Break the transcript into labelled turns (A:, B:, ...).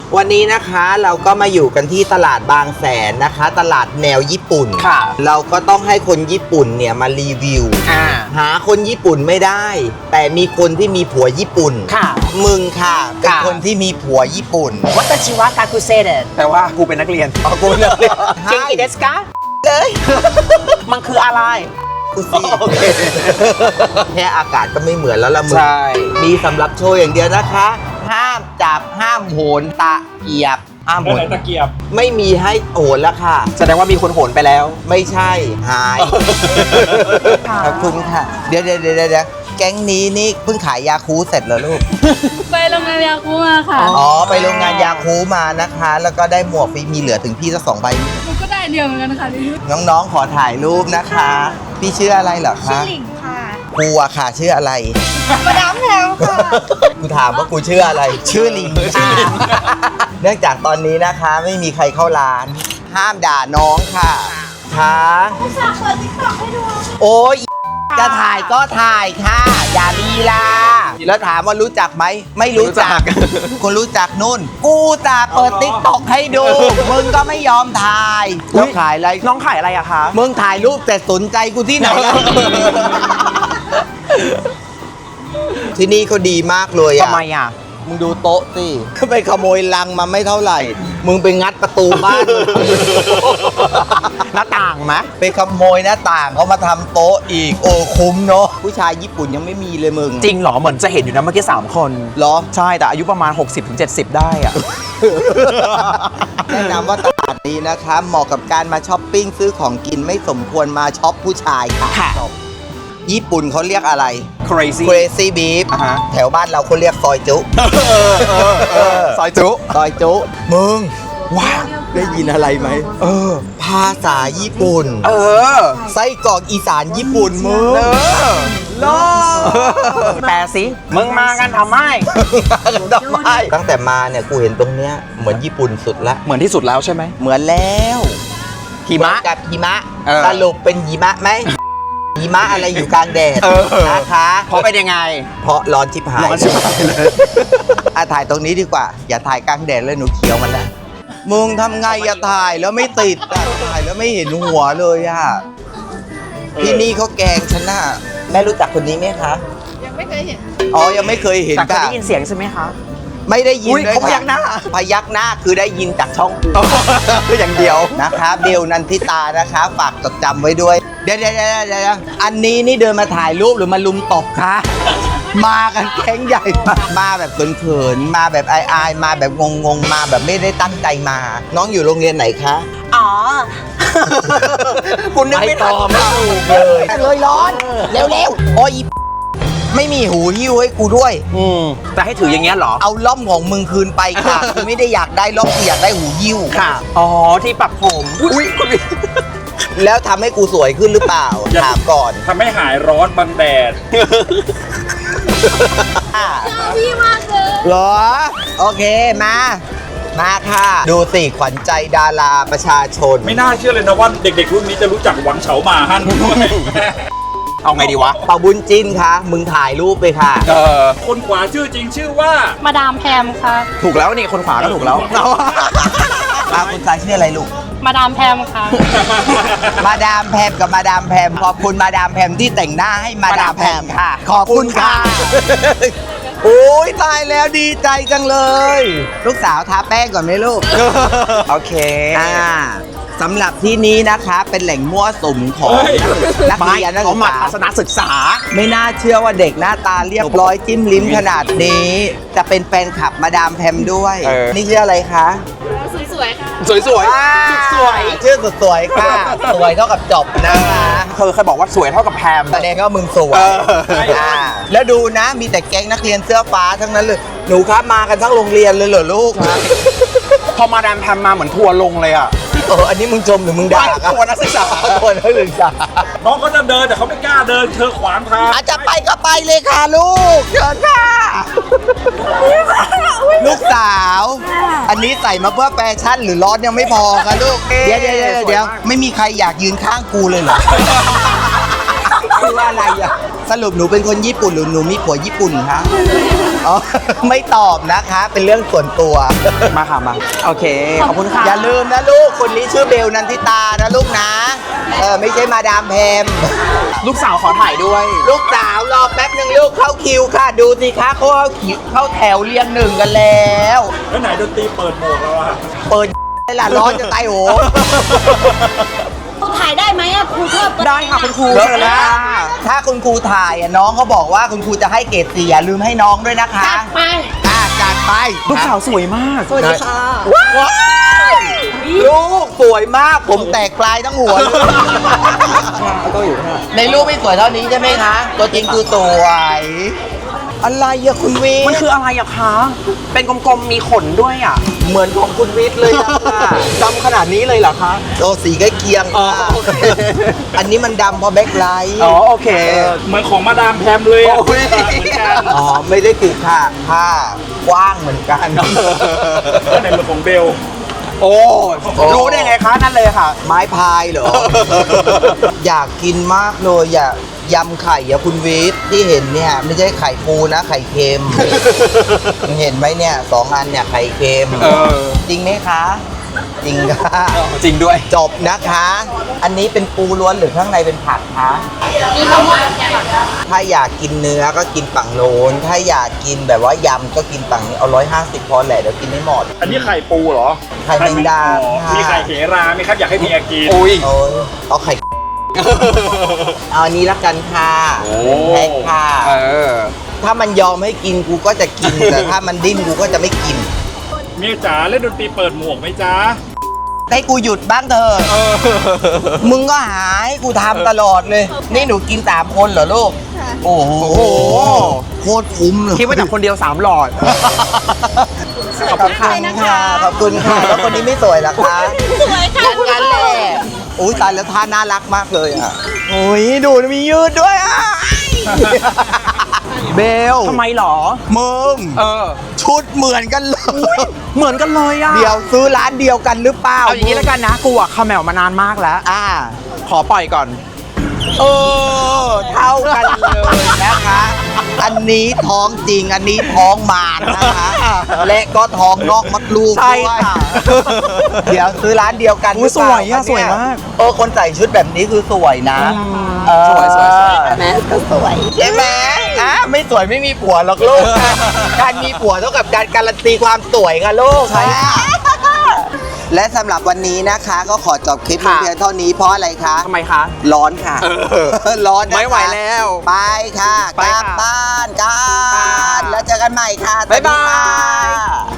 A: วันนี้นะคะเราก็มาอยู่กันที่ตลาดบางแสนนะคะ ตลาดแนวญี่ปุ่น
B: ค่ะ
A: เราก็ต้องให้คนญี่ปุ่นเนี่ยมารีวิวหาคนญี่ปุ่นไม่ได้ แต่มีคนที่มีผัวญี่ปุ่น
B: ค่ะ
A: มึงค่ะเป็นคนที่มีผัวญี่ปุ่น
B: วัตชิวะกาคุเซเดแต่ว่ากูเป็นนักเรียน
A: กูเลย
B: เก่งกิเดสกา
A: เลย
B: มันคืออะไร
A: กูสิแค่อากาศก็ไม่เหมือนแล้วละมึง
B: ใช่
A: มีสำหรับโชว์อย่างเดียวนะคะ ห้ามจับห้ามโหนตะเกียบห้ามโหน
C: ตะเกียบ
A: ไม่มีให้โหนแล้วค่ะ
B: แสดงว่ามีคนโหนไปแล้ว
A: ไม่ใช่หายขอบคุณค่ะเดี๋ยวแก๊งนี้นี่เพิ่งขายยาคูเสร็จแล้วลูก
D: ไปโรงงานยาคูมาค่ะ
A: อ๋อไปโรงงานยาคูมานะคะแล้วก็ได้หมวกฟรีมีเหลือถึงพี่สัก2 ใบ
D: มันก็ได้เดียวเหมือนกันค่ะนี่
A: น้องๆขอถ่ายรูปนะคะพี่ชื่ออะไรเหรอคะ
D: ชื่อหลิงค่ะ
A: กูอะค่ะชื่ออะไร
D: มาดามแพมค่ะ
A: กูถามว่ากูชื่ออะไรชื่อลิงเนื่องจากตอนนี้นะคะไม่มีใครเข้าร้านห้ามด่าน้องค่ะค่ะ
D: ผู้สาวเปิดติ๊กต็อกให้ดู
A: โอ้ยจะถ่ายก็ถ่ายค่ะอย่าลีลาแล้วถามว่ารู้จักไหมไม่รู้จักคนรู้จักนู่นกูจะเปิดติ๊กต็อกให้ดูมึงก็ไม่ยอมถ่ายแล้วขายอะไร
B: น้องขายอะไรอะคะ
A: มึงถ่ายรูปแต่สนใจกูที่ไหนล่ะที่นี่เขาดีมากเลยอะ
B: ทำไมอะ
A: มึงดูโต๊ะสิไปขโมยลังมาไม่เท่าไหร่มึงไปงัดประตูบ้าน
B: หน้าต่างไหม
A: ไปขโมยหน้าต่างเขามาทำโต๊ะอีกโอ้คุ้มเนาะผู้ชายญี่ปุ่นยังไม่มีเลยมึง
B: จริงเหรอเหมือนจะเห็นอยู่นะเมื่อกี้3 คน
A: เหรอ
B: ใช่แต่อายุประมาณ 60-70 ได้อะ
A: แนะนำว่าตลาดนี้นะคะเหมาะกับการมาช้อปปิ้งซื้อของกินไม่สมควรมาช็อปผู้ชายค่ะญี่ปุ่นเขาเรียกอะไร crazy beef แถวบ้านเราเขาเรียกซอยจุ
B: ซอยจุ
A: มึงว้าวได้ยินอะไรไหมภาษาญี่ปุ่นไส้กรอกอีสานญี่ปุ่นมึงโล
B: แปลสิมึงมากันทำไม
A: ตั้งแต่มาเนี่ยกูเห็นตรงเนี้ยเหมือนญี่ปุ่นสุดละ
B: เหมือนที่สุดแล้วใช่ไหม
A: เหมือนแล้วหิมะกับหิมะสรุปเป็นหิมะไหมหิมะอะไรอยู่กลางแดดนะคะ
B: เพราะเป็นยังไง
A: เพราะร้อนชิบหายเลยถ่ายตรงนี้ดีกว่าอย่าถ่ายกลางแดดเลยหนูเขียวมันแล้วมึงทำไงอย่าถ่ายแล้วไม่ติดถ่ายแล้วไม่เห็นหัวเลยอ่ะที่นี่เขาแกงฉันน่ะแม่รู้จักคนนี้ไหมคะ
D: ยังไม่เคยเห็น
A: อ๋อยังไม่เคยเห็น
B: แต่ได้ยินเสียงใช่ไหมคะ
A: ไม่ได้ยินเลย
B: พยักหน้า
A: คือได้ยินจากช่อง
B: คืออย่างเดียว
A: นะคะเบลนันทิตานะคะฝากจดจำไว้ด้วยเดี๋ยวอันนี้นี่เดินมาถ่ายรูปหรือมาลุมตบคะมากันแก๊งใหญ่มาแบบเขินๆมาแบบอายๆมาแบบงงๆมาแบบไม่ได้ตั้งใจมาน้องอยู่โรงเรียนไหนคะ
B: อ๋อคุณนึกไม่ทัน
A: ไม่ถูกเลยร้อนเร็วๆโอ้ยไม่มีหูหิ้วให้กูด้วย
B: จะให้ถืออย่างเงี้ยเหรอ
A: เอาล่อมของมึงคืนไปค่ะกูไม่ได้อยากได้ล่อมกูอยากได้หูหิ้ว
B: ค่ะอ๋อที่ปักผม
A: อุ้ยแล้วทำให้กูสวยขึ้นหรือเปล่าถามก่อน
C: ทำให้หายร้อนบังแดด
D: พี่มากเลย
A: เหรอโอเคมาค่ะดูสิขวัญใจดาราประชาชน
C: ไม่น่าเชื่อเลยนะว่าเด็กๆรุ่นนี้จะรู้จักหวังเฉาหมาฮั่น
B: เอาไงดีวะ
A: เป่าบุญจิ้นคะมึงถ่ายรูปไปค่ะ
C: คนขวาชื่อจริงชื่อว่า
D: มาดามแพมค่ะ
B: ถูกแล้วนี่คนขวาก็ถูกแล้ว
A: คุณชายชื่ออะไรลูก
D: มาดามแพมค่ะ
A: มาดามแพมกับมาดามแพมขอบคุณมาดามแพมที่แต่งหน้าให้มาดามแพมค่ะขอบคุณค่ะโอ้ยตายแล้วดีใจจังเลยลูกสาวทาแป้งก่อนไหมลูก
B: โอเค
A: สำหรับที่นี้นะคะเป็นแหล่งมั่วสุมของนักเรียนนักศึกษา
B: ทัศนศึกษา
A: ไม่น่าเชื่อว่าเด็กหน้าตาเรียบร้อยจิ้มลิ้มขนาดนี้จะเป็นแฟนคลับมาดามแพมด้วยนี่ชื่ออะไรคะ
D: สวยค่ะ
B: สวย
A: ชื่อสวยค่ะสวยเท่ากับจบนะคะ
B: เคยบอกว่าสวยเท่ากับแพม
A: แสดงว่ามึงสวยแล้วดูนะมีแต่แก๊งนักเรียนเสื้อฟ้าทั้งนั้นเลยหนูครับมากันทั้งโรงเรียนเลยเหรอลูก
B: พอมาดามแพมมาเหมือนทัวร์ลงเลยอ่ะ
A: อันนี้มึงชมหรือมึงด่า
B: ทัวร์นักศึกษา
C: น้องเขาจะเดินแต่เขาไม่กล้าเดินเธอขวางทาง
A: อาจจะไปก็ไปเลยค่ะลูกเชิญค่ะลูกสาวอันนี้ใส่มาเพื่อแฟชั่นหรือร้อนยังไม่พอคะลูกเดี๋ยวไม่มีใครอยากยืนข้างกูเลยเหรอคือว่าอะไรอ่ะสรุปหนูเป็นคนญี่ปุ่นหรือหนูมีผัวญี่ปุ่นคะอ๋อ ไม่ตอบนะคะ เป็นเรื่องส่วนตัว
B: มาค่ะมาโอเคขอบคุณค่ะ
A: อย่าลืมนะลูก คนนี้ชื่อเบลนันทิตานะลูกนะ ไม่ใช่มาดามแพม
B: ลูกสาวขอถ่ายด้วย
A: ลูกสาวรอแป๊บหนึ่งลูกเข้าคิวค่ะ ดูสิคะเขาเข้าแถวเรียงหนึ่งกันแล้ว
C: แล้วไหนดนตรีเปิดโหมดแล้วอะ
A: เปิดได้ละร้อนจะตายโหง
D: ถ่ายได้ไหมอะครูชอบ
B: ได้ค่ะคุณครู
A: เดี๋ยว
B: เชิญเลย
A: นะ
B: ค่ะ
A: ถ้าคุณครูถ่ายน้องเขาบอกว่าคุณครูจะให้เกรด4อย่าลืมให้น้องด้วยนะคะ
D: จัดไป
A: จัดไป
B: ลูกสาวสวยมาก
D: สวัสดีค่ะ
A: ว้ายลูกสวยมาก ผมแตกปลายทั้งหัวเลย
B: ก็อยู่ค่ะ
A: ในรูปไม่สวยเท่านี้ใช่ไหมคะ ตัวจริงคือสวย อะไรอะคุณวี
B: มันคืออะไรอะคะ เป็นกลมๆมีขนด้วยอะ
A: เหมือนของคุณวิทย์เลยนะคะ
B: ดำขนาดนี้เลยเหรอคะ
A: โตสีใกล้เคียง
B: อ๋อ
A: ค่ะ
B: โอเค
A: อันนี้มันดำเพราะแบ็คไลท์
B: อ๋อโอเค
C: เหมือนของมาดามแพมเลยอะ
B: โอ้ย
C: เหมือนกัน
A: อ๋อ ไม่ได้คือค่ะผ้ากว้างเหมือนกัน
C: แล้วไหนเหมือนของเบล
B: โอ้รู้ได้ไงคะนั่นเลยค่ะ
A: ไม้พายเหรอ อยากกินมากเลยอยากยำไข่อะคุณวิทย์ที่เห็นเนี่ยไม่ใช่ไข่ปูนะไข่เค็ม เห็นไหมเนี่ย2 อันเนี่ยไข่เค็ม
B: เออ
A: จริงไหมคะ จริงค่ะ
B: จริงด้วย
A: จบนะคะ อันนี้เป็นปูล้วนหรือข้างในเป็นผักคะ
D: มีข้าวหมดค่ะ
A: ถ้าอยากกินเนื้อก็กินฝั่งโน้นถ้าอยากกินแบบว่ายำก็กินฝั่งนี้เอา150พอแหละเดี๋ยวกินไม่หมด
C: อันนี้ไข่ปูเหรอ
A: ไข่แมงดา
C: อ๋อ
A: ค่ะ
C: มีไข่เหราไหมครับ อยากให้เมียกิน
B: อุ้ย
A: โอ้ยเอาไข่ เอาอันนี้ละกันค่ะ
C: โอ้
A: แพ็คค่ะ
B: เออ
A: ถ้ามันยอมให้กินกูก็จะกิน แต่ถ้ามันดิ้นกูก็จะไม่กิน
C: เมียจ๋าเล่นดนตรีเปิดหมวกไหมจ๊ะ
A: ให้กูหยุดบ้างเถอะมึงก็หาให้กูทำตลอดเลย นี่หนูกิน3 คนเหรอลูก โอ้โห โคตรคุ้มเลย
B: คิดว่าแต่คนเดียว3 หลอด
A: ขอบคุณค่ะ ขอบคุณค่ะ แล้วคนนี้ไม่สวยเหรอคะ
D: สวยค่ะ
A: งั้นแหละอุ้ยตายแล้วท่าน่ารักมากเลยอ่ะโอ้ยดูมียืดด้วยอ่ะ เบล
B: ทำไมหรอ
A: มึง
B: เออ
A: ชุดเหมือนกันเลย
B: เหมือนกันเลยอะ
A: เดี๋ยวซื้อร้านเดียวกันหรือเปล่า
B: เอาอย่างนี้แล้วกันนะ กูอะเขมวมานานมากแล้ว ขอปล่อยก่อน
A: เออ เท่ากันเลยนะคะ อันนี้ท้องจริง อันนี้ท้องมารนะคะ และก็ท้องนอกมดลูก
B: ใช่
A: ด้วย
B: ค่ะ
A: เดี๋ยวซื้อร้านเดียวกัน
B: อุ๊ย
A: หรือเปล่า
B: สวยอะ
A: คะเนี่
B: สวยมาก
A: คนใส่ชุดแบบนี้คือสวยนะเออ
B: สวย
A: แม่ก็สวยใช่ไหมไม่สวยไม่มีผัวหรอกลูก การมีผัวเท่ากับการการันตีความสวยค่ะลูก
B: ใช่ค่ะ
A: และสำหรับวันนี้นะคะ ก็ขอจบคลิป
B: ค่ะ
A: เพียงเท่านี้เพราะอะไรคะ
B: ทำไมคะ
A: ร้อนค่ะ ร้อนนะคะ
B: ไม่ไหวแล้ว
A: ไปค่ะ
B: ไป
A: กลั
B: ค่ะ
A: บบ้านกัน
B: ค่ะ
A: แล้วเจอกันใหม่ค่ะ
B: บ๊ายบาย
A: สวัสดีค่ะ